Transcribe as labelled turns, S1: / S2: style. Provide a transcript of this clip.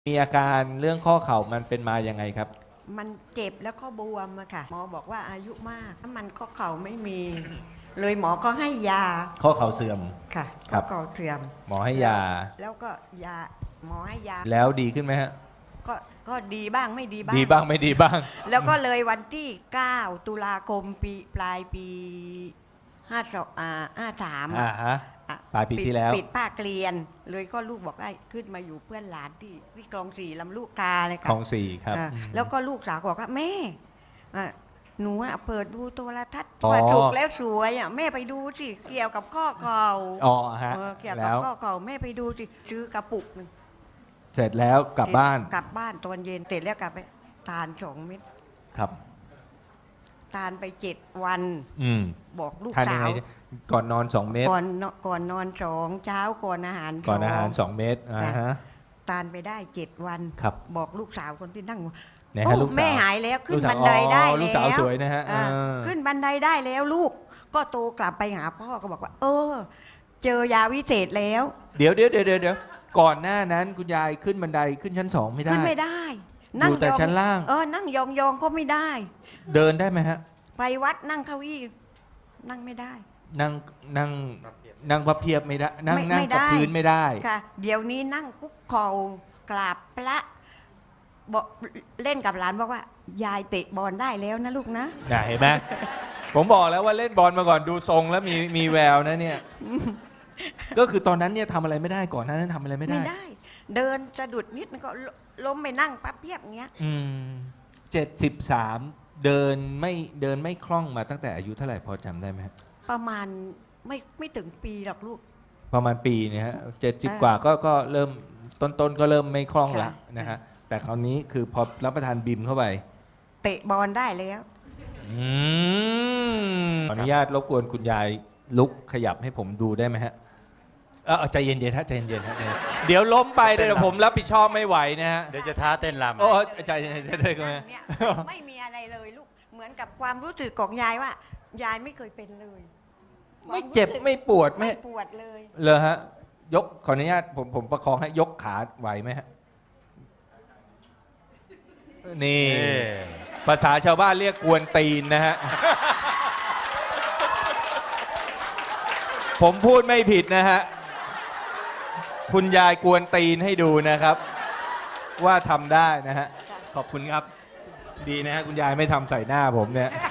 S1: มีอาการเรื่องข้อเข่ามันเป็นมายังไงครับ
S2: มันเจ็บแล้วก็บวมอะค่ะหมอบอกว่าอายุมากถ้ามันข้อเข่าไม่มี เลยหมอก็ให้ยา
S1: ข้อเข่าเสื่อม
S2: ค่ะ
S1: ครั
S2: ข้อบ เข่าเสื่อม
S1: หมอให้ยา
S2: แล้วก็ยาหมอให้ยา
S1: แล้วดีขึ้นไหมฮะ
S2: ก็ดีบ้างไม่ดีบ้าง
S1: ดีบ้างไม่ดีบ้าง
S2: แล้วก็เลยวันที่ 9 ตุลาคมปลายปี53
S1: ฮะปลายปีที่แล้ว
S2: ปิดภาคเรียนเลยก็ลูกบอกได้ขึ้นมาอยู่เพื่อนหลานที่คลองสี่ลำลูกกาเลยค่ะ
S1: คลองสี่ครับ
S2: แล้วก็ลูกสาวบอกว่าแม่หนูเปิดดูโทรทัศน์
S1: อ๋อ
S2: ว่าถูกแล้วสวยแม่ไปดูสิเกี่ยวกับข้อเข่า
S1: อ๋อฮะ
S2: เกี่ยวกั
S1: แล้
S2: บ
S1: ว
S2: ข้อเข่าแม่ไปดูสิซื้อกระปุกหนึ่ง
S1: เสร็จแล้วกลับบ้าน
S2: ตอนเย็นเสร็จแล้วกลับไปทาน2 เม็ด
S1: ครับ
S2: ทานไป7 วันบอกลูกสาว
S1: ก่อนนอน2 เม็ด
S2: ก่อนนอน2เช้าก่อนอาหาร
S1: 2 เม็ดฮะ
S2: ทานไปได้7 วัน
S1: ครับ
S2: บอกลูกสาวคนที่นั่ง
S1: โอ้
S2: แม่หายแล้วขึ้นบันไดได้แล้ว
S1: ลูกสาวสวยนะฮะ
S2: ขึ้นบันไดได้แล้วลูกก็โตกลับไปหาพ่อก็บอกว่าเจอยาวิเศษแล้ว
S1: เดี๋ยวก่อนหน้านั้นคุณยายขึ้นบันไดขึ้นชั้น2ไม่ได้
S2: ขึ้นไม่ได้
S1: อยู่แต่ชั้นล่าง
S2: นั่งยองก็ไม่ได้
S1: เดินได้ไหมฮะ
S2: ไปวัดนั่งเก้าอี้นั่งไม่ได้
S1: นั่งพับเพียบไม่ได้นั่งกับพื้นไม่ได้
S2: ค่ะเดี๋ยวนี้นั่งคุกเข่ากราบพระบอกเล่นกับหลานบอกว่ายายเตะบอลได้แล้วนะลูกนะ
S1: เห็นไหมผมบอกแล้วว่าเล่นบอลมาก่อนดูทรงแล้วมีแววนะเนี่ยก็คือตอนนั้นเนี่ยทำอะไรไม่ได้ก่อนหน้านั้นทำอะไรไม่ได้
S2: เดินสะดุดนิดมันก็ล้มไปนั่งปั๊บเพียบเงี้ย
S1: 73เดินไม่คล่องมาตั้งแต่อายุเท่าไหร่พอจำได้ไหมครับ
S2: ประมาณไม่ถึงปีหรอกลูก
S1: ประมาณปีเนี่ยฮะ70 กว่าก็เริ่มต้นก็เริ่มไม่คล่องละนะฮะแต่คราวนี้คือพอรับประทานบิมเข้าไป
S2: เตะบอลได้แล้ว
S1: ขออนุญาตรบกวนคุณยายลุกขยับให้ผมดูได้ไหมฮะใจเย็นๆฮะใจเย็นๆฮะเดี๋ยวล้มไปเดี๋ยวผมรับผิดชอบไม่ไหวนะฮะ
S3: เดี๋ยวจะท้าเต้นรำ
S1: ใจเย็นๆได้ไหม
S2: ไม่มีอะไรเลยลูกเหมือนกับความรู้สึกของยายว่ายายไม่เคยเป็นเลย
S1: ไม่เจ็บไม่ปวด
S2: ไม่ปวดเลย
S1: เลยฮะยกขออนุญาตผมประคองให้ยกขาไหวไหมฮะนี่ภาษาชาวบ้านเรียกกวนตีนนะฮะผมพูดไม่ผิดนะฮะคุณยายกวนตีนให้ดูนะครับว่าทำได้นะฮะขอบคุณครับดีนะฮะคุณยายไม่ทำใส่หน้าผมเนี่ย